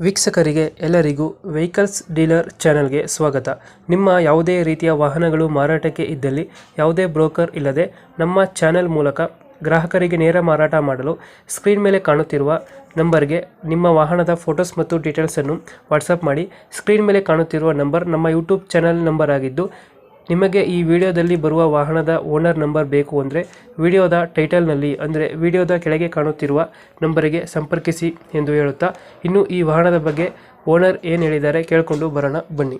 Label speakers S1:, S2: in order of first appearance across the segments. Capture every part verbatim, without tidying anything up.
S1: ವೀಕ್ಷಕರಿಗೆ ಎಲ್ಲರಿಗೂ vehicles dealer ಚಾನೆಲ್ಗೆ ಸ್ವಾಗತ. ನಿಮ್ಮ ಯಾವುದೇ ರೀತಿಯ ವಾಹನಗಳು ಮಾರಾಟಕ್ಕೆ ಇದ್ದಲ್ಲಿ ಯಾವುದೇ ಬ್ರೋಕರ್ ಇಲ್ಲದೆ ನಮ್ಮ ಚಾನೆಲ್ ಮೂಲಕ ಗ್ರಾಹಕರಿಗೆ ನೇರ ಮಾರಾಟ ಮಾಡಲು ಸ್ಕ್ರೀನ್ ಮೇಲೆ ಕಾಣುತ್ತಿರುವ ನಂಬರ್ಗೆ ನಿಮ್ಮ ವಾಹನದ ಫೋಟೋಸ್ ಮತ್ತು ಡೀಟೇಲ್ಸನ್ನು ವಾಟ್ಸಪ್ ಮಾಡಿ. ಸ್ಕ್ರೀನ್ ಮೇಲೆ ಕಾಣುತ್ತಿರುವ ನಂಬರ್ ನಮ್ಮ ಯೂಟ್ಯೂಬ್ ಚಾನೆಲ್ ನಂಬರ್ ಆಗಿದ್ದು, ನಿಮಗೆ ಈ ವಿಡಿಯೋದಲ್ಲಿ ಬರುವ ವಾಹನದ ಓನರ್ ನಂಬರ್ ಬೇಕು ಅಂದರೆ ವಿಡಿಯೋದ ಟೈಟಲ್ನಲ್ಲಿ ಅಂದರೆ ವಿಡಿಯೋದ ಕೆಳಗೆ ಕಾಣುತ್ತಿರುವ ನಂಬರಿಗೆ ಸಂಪರ್ಕಿಸಿ ಎಂದು ಹೇಳುತ್ತಾ, ಇನ್ನು ಈ ವಾಹನದ ಬಗ್ಗೆ ಓನರ್ ಏನು ಹೇಳಿದ್ದಾರೆ ಕೇಳಿಕೊಂಡು ಬರೋಣ ಬನ್ನಿ.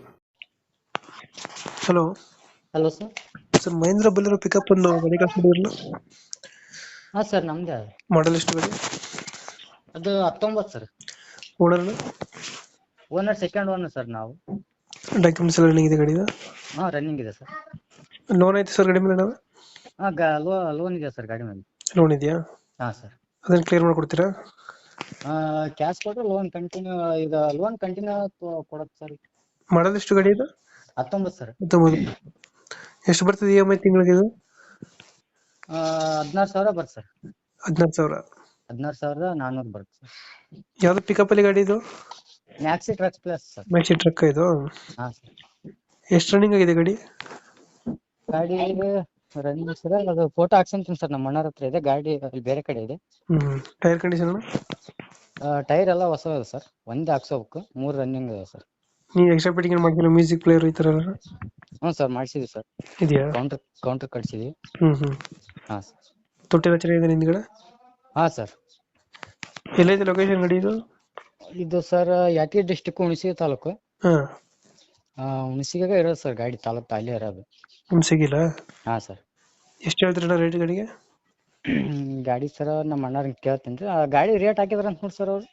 S1: Hello
S2: hello sir.
S1: Sir, Mahindra Bolero pickup ಒಂದು ಗಾಡಿ ಕಳಿಸ್ಬಿಟ್ಟಿರಲ್ಲ,
S2: ಹಾಂ ಸರ್, ನಮ್ದೇ ಅದು.
S1: ಮಾಡಲ್ ಎಷ್ಟು ಗಾಡಿ?
S2: ಅದು ಹತ್ತೊಂಬತ್ತು ಸರ್.
S1: Owner
S2: owner second owner sir ನಾವು.
S1: ಡಾಕ್ಯುಮೆಂಟ್ಸ್ ಎಲ್ಲ ರನ್ನಿಂಗ್ ಇದೆ ಗಾಡಿದು?
S2: ಹಾಂ, ರನ್ನಿಂಗ್ ಇದೆ ಸರ್.
S1: ಲೋನ್ ಐತೆ ಸರ್ ಗಾಡಿ ಮೇಲೆ? ನಾವು
S2: ಹಾಂ, ಗಾ ಲೋ ಲೋನ್ ಇದೆ ಸರ್ ಗಾಡಿ ಮೇಲೆ.
S1: ಲೋನ್ ಇದೆಯಾ?
S2: ಹಾಂ ಸರ್.
S1: ಅದನ್ನು ಕ್ಲಿಯರ್ ಮಾಡಿಕೊಡ್ತೀರಾ?
S2: ಕ್ಯಾಶ್ ಕೊಟ್ಟರೆ ಲೋನ್ ಕಂಟಿನ್ಯೂ, ಇದು ಲೋನ್ ಕಂಟಿನ್ಯೂ ಕೊಡೋದು ಸರ್.
S1: ಮಾಡಲ್ ಎಷ್ಟು ಗಾಡಿ ಇದು?
S2: ಹತ್ತೊಂಬತ್ತು ಸರ್.
S1: ಹತ್ತೊಂಬತ್ತು. ಎಷ್ಟು ಬರ್ತದೆ ಇ ಎಮ್ ಐ ತಿಂಗಳಿಗೆ ಇದು?
S2: ಹದಿನಾರು ಸಾವಿರ ಬರುತ್ತೆ ಸರ್.
S1: ಹದಿನಾರು ಸಾವಿರ?
S2: ಹದಿನಾರು ಸಾವಿರದ ನಾನ್ನೂರು ಬರುತ್ತೆ ಸರ್.
S1: ಯಾವ್ದು ಪಿಕಪ್ ಅಲ್ಲಿ ಗಾಡಿ ಇದು?
S2: Maxi trucks plus sir.
S1: Maxi truck ಇದು?
S2: ಹಾಂ ಸರ್.
S1: ಎಷ್ಟು ರನ್ನಿಂಗ್ ಆಗಿದೆ ಗಾಡಿ?
S2: ಗಾಡಿ ರನ್ನಿಂಗ್ ಸರ್, ಅದು ಫೋಟೋ ಹಾಕ್ಸಂತೀನಿ ಸರ್, ನಮ್ಮ ಅಣ್ಣರ ಹತ್ರ ಇದೆ ಗಾಡಿ, ಅಲ್ಲಿ ಬೇರೆ ಕಡೆ ಇದೆ.
S1: ಹ್ಮ್ ಟೈರ್ ಕಂಡೀಷನ್?
S2: ಟೈರ್ ಎಲ್ಲ ಹೊಸ ಇದೆ ಸರ್, ಒಂದೇ ಹಾಕ್ಸೋಬೇಕು. ಮೂರು ರನ್ನಿಂಗ್ ಇದೆ ಸರ್.
S1: ನೀವು ಎಕ್ಸ್ಟ್ರಾ ಫಿಟ್ಟಿಂಗ್ ಏನು ಮಾಡ್ತೀರಾ? ಮ್ಯೂಸಿಕ್ ಪ್ಲೇಯರ್ ಈ ಥರ ಎಲ್ಲ
S2: ಹ್ಞೂ ಸರ್, ಮಾಡಿಸಿದ್ವಿ ಸರ್.
S1: ಇದೆಯಾ?
S2: ಕೌಂಟರ್ ಕೌಂಟರ್ ಕಟ್ಸಿದ್ವಿ.
S1: ಹ್ಮ್ ಹ್ಮ್
S2: ಹಾಂ ಸರ್.
S1: ತೊಟ್ಟಿಲ್ಲ ಚೆನ್ನಾಗಿದೆ ಹಿಂದ್ಗಡೆ?
S2: ಹಾಂ ಸರ್.
S1: ಎಲ್ಲೈತೆ ಲೊಕೇಶನ್ ಗಾಡಿ ಇದು?
S2: ಇದು ಸರ್ ಯಾದಗಿರಿ ಡಿಸ್ಟಿಕ್, ಹುಣಸಗಿ ತಾಲೂಕು.
S1: ಹಾ,
S2: ಹುಣಸಿಗೆ ಇರೋದು ಸರ್ ಗಾಡಿ, ತಾಲೂಕು ಅಲ್ಲೇ ಇರೋದು.
S1: ಹುಣಸಗಿಲ್ಲ?
S2: ಹಾಂ ಸರ್.
S1: ಎಷ್ಟು ಹೇಳ್ತೀರಣ್ಣ ರೇಟ್ ಗಾಡಿಗೆ?
S2: ಗಾಡಿ ಸರ್ ನಮ್ಮ ಅಣ್ಣವ್ರಿಗೆ ಕೇಳ್ತೀನಿ ರೀ. ಆ ಗಾಡಿ ರೇಟ್ ಹಾಕಿದಾರೆ ಅಂತ ನೋಡಿ ಸರ್ ಅವರು.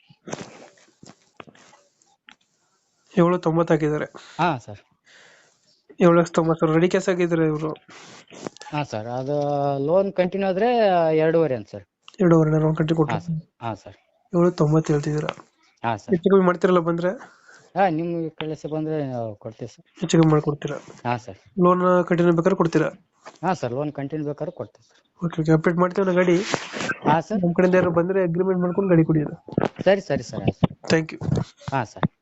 S1: ಏಳು ತೊಂಬತ್ತು ಹಾಕಿದ್ದಾರೆ?
S2: ಹಾಂ ಸರ್.
S1: ಏಳು ಲಕ್ಷ ತೊಂಬತ್ತು ಸಾವಿರ ರೆಡಿ ಕ್ಯಾಶ್ ಹಾಕಿದ್ದಾರೆ ಇವರು?
S2: ಹಾಂ ಸರ್, ಅದು ಲೋನ್ ಕಂಟಿನ್ಯೂ ಆದರೆ ಎರಡೂವರೆ ಅಂತ ಸರ್.
S1: ಎರಡೂವರೆ ಲೋನ್ ಕಟ್ಟಿ ಕೊಟ್ಟು?
S2: ಹಾಂ ಸರ್. ಹಾಂ ಸರ್.
S1: ಏಳು ತೊಂಬತ್ತು ಹೇಳ್ತಿದ್ದೀರಾ?
S2: ಹಾಂ ಸರ್.
S1: ಹೆಚ್ಚು ಕಮ್ಮಿ ಮಾಡ್ತಿರಲ್ಲ ಬಂದರೆ?
S2: ಹಾಂ, ನಿಮ್ಮ ಕಳಿಸಿ ಬಂದರೆ ಕೊಡ್ತೀವಿ ಸರ್.
S1: ಹೆಚ್ಚು ಕಮ್ಮಿ ಮಾಡಿಕೊಡ್ತೀರಾ?
S2: ಹಾಂ ಸರ್.
S1: ಲೋನ್ ಕಂಟಿನ್ಯೂ ಬೇಕಾದ್ರೆ ಕೊಡ್ತೀರಾ?
S2: ಹಾಂ ಸರ್, ಲೋನ್ ಕಂಟಿನ್ಯೂ ಬೇಕಾದ್ರೆ ಕೊಡ್ತೀವಿ ಸರ್.
S1: ಓಕೆ ಓಕೆ, ಅಪ್ಡೇಟ್ ಮಾಡ್ತೀವಿ ನಾ ಗಾಡಿ.
S2: ಹಾಂ ಸರ್.
S1: ನಮ್ಮ ಕಡೆಯಿಂದ ಯಾರು ಬಂದರೆ ಅಗ್ರಿಮೆಂಟ್ ಮಾಡ್ಕೊಂಡು ಗಾಡಿ ಕೊಡಿಯೋದು.
S2: ಸರಿ ಸರಿ ಸರ್, ಆಯ್ತು.
S1: Thank you.
S2: ಹಾಂ ಸರ್.